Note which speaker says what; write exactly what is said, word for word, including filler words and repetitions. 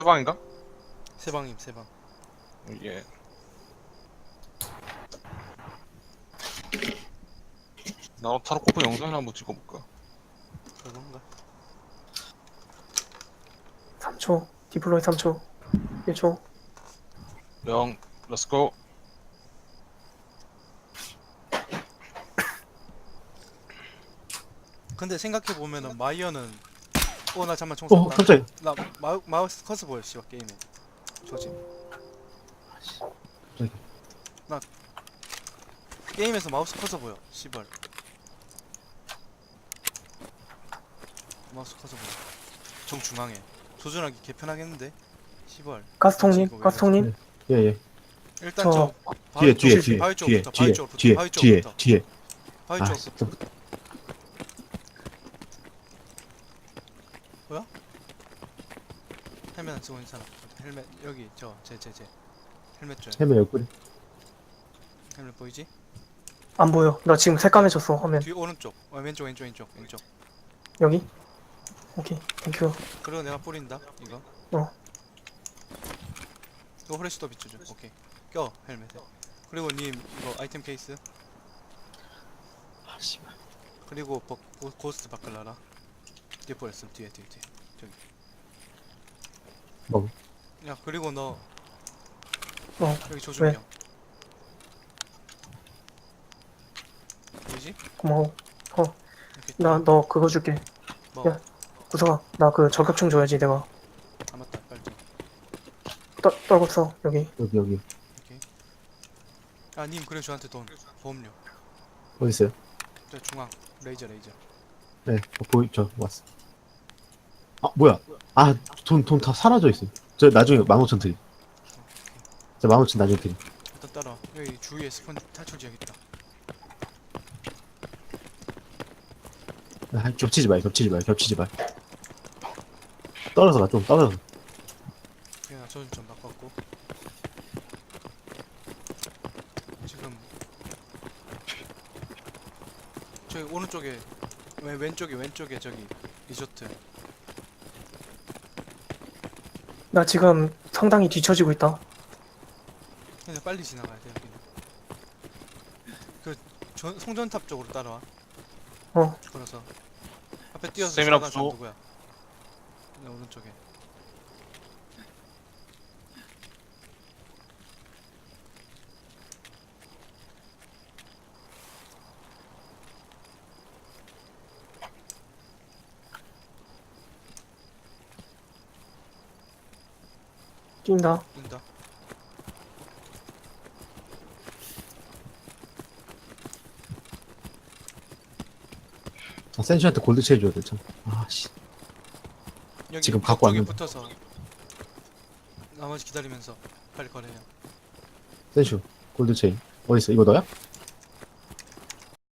Speaker 1: 방인가?
Speaker 2: 세방임 세방.
Speaker 1: 예. 나 타로코프 영상이나 한번 찍어볼까?
Speaker 2: 그건가?
Speaker 3: 삼 초. 디플로이 삼 초. 일 초.
Speaker 1: 영, 렛츠고.
Speaker 2: 근데 생각해 보면은 마이어는 어 나 잠만 총
Speaker 3: 어,
Speaker 2: 쐈다.
Speaker 3: 깜짝이야.
Speaker 2: 나 마우, 마우스 커서 보여 씨발 게임에. 저지.
Speaker 3: 갑자기.
Speaker 2: 나 게임에서 마우스 커서 보여. 씨발. 마우스 커서 보여. 정중앙에. 조준하기 개편하겠는데. 씨발.
Speaker 3: 가스통님,
Speaker 2: 이거 왜
Speaker 3: 가스통님. 예, 예.
Speaker 2: 일단
Speaker 3: 저
Speaker 2: 저
Speaker 3: 뒤에,
Speaker 2: 바위
Speaker 3: 뒤에,
Speaker 2: 쪽,
Speaker 3: 뒤에,
Speaker 2: 바위
Speaker 3: 뒤에,
Speaker 2: 쪽부터,
Speaker 3: 뒤에,
Speaker 2: 바위 쪽부터,
Speaker 3: 뒤에,
Speaker 2: 바위
Speaker 3: 뒤에,
Speaker 2: 쪽부터,
Speaker 3: 뒤에.
Speaker 2: 바위
Speaker 3: 아,
Speaker 2: 쪽부터.
Speaker 3: 진짜.
Speaker 2: 뭐야? 헬멧 안 쓰고 있는 사람. 헬멧 여기 저 제 제 제 헬멧 줘요.
Speaker 3: 헤매 옆구리.
Speaker 2: 헬멧 보이지?
Speaker 3: 안 보여. 나 지금 새까매졌어, 화면.
Speaker 2: 뒤 오른쪽. 어, 왼쪽 왼쪽 왼쪽 왼쪽.
Speaker 3: 여기? 오케이, 땡큐.
Speaker 2: 그리고 내가 뿌린다. 이거.
Speaker 3: 어.
Speaker 2: 이거 후레쉬도 비춰줘. 오케이. 껴 헬멧에. 그리고 님 이거 아이템 케이스.
Speaker 3: 아, 씨발.
Speaker 2: 그리고 버, 고, 고스트 바클라라. 뒤에 버렸어. 뒤에 뒤에 뒤에. 저기.
Speaker 3: 뭐?
Speaker 2: 야 그리고 너
Speaker 3: 어,
Speaker 2: 여기 조준경. 보이지?
Speaker 3: 고마워.
Speaker 2: 이렇게
Speaker 3: 나, 너 그거 줄게.
Speaker 2: 뭐?
Speaker 3: 야. 구석아, 나 그 저격총 줘야지, 내가.
Speaker 2: 아 맞다. 빨리 좀.
Speaker 3: 떨, 떨궜어, 여기. 여기, 여기.
Speaker 2: 오케이. 아 님 그래 저한테 돈 보험료.
Speaker 3: 어디 있어요?
Speaker 2: 저 중앙 레이저 레이저.
Speaker 3: 네, 어, 보이, 저, 왔어. 아, 뭐야. 아, 돈, 돈 다 사라져 있어. 저 나중에 만 오천 드림. 저 만 오천 나중에 드림.
Speaker 2: 일단 따라. 여기 주위에 스폰 탈출 지역 있다.
Speaker 3: 아, 겹치지 마, 겹치지 마, 겹치지 마. 떨어져 가, 좀 떨어져.
Speaker 2: 그냥 저좀 좀 바꿨고. 지금 저기 오른쪽에 왼 왼쪽에 왼쪽에 저기 리조트.
Speaker 3: 나 지금 상당히 뒤처지고 있다.
Speaker 2: 그냥 빨리 지나가야 돼 여기는. 그 전, 송전탑 쪽으로 따라와.
Speaker 3: 어.
Speaker 2: 걸어서 앞에 뛰어서
Speaker 1: 스태미나
Speaker 2: 지나간 사람
Speaker 1: 부족.
Speaker 2: 누구야? 내 오른쪽에.
Speaker 3: 뛴다.
Speaker 2: 뛴다.
Speaker 3: 아, 센슈한테 골드체일 줘야 돼, 참. 아, 씨.
Speaker 2: 여기
Speaker 3: 지금
Speaker 2: 벽
Speaker 3: 갖고
Speaker 2: 쪽에
Speaker 3: 왔는데.
Speaker 2: 붙어서 나머지 기다리면서 빨리 거래요.
Speaker 3: 센슈, 골드체인. 어딨어? 이거 너야?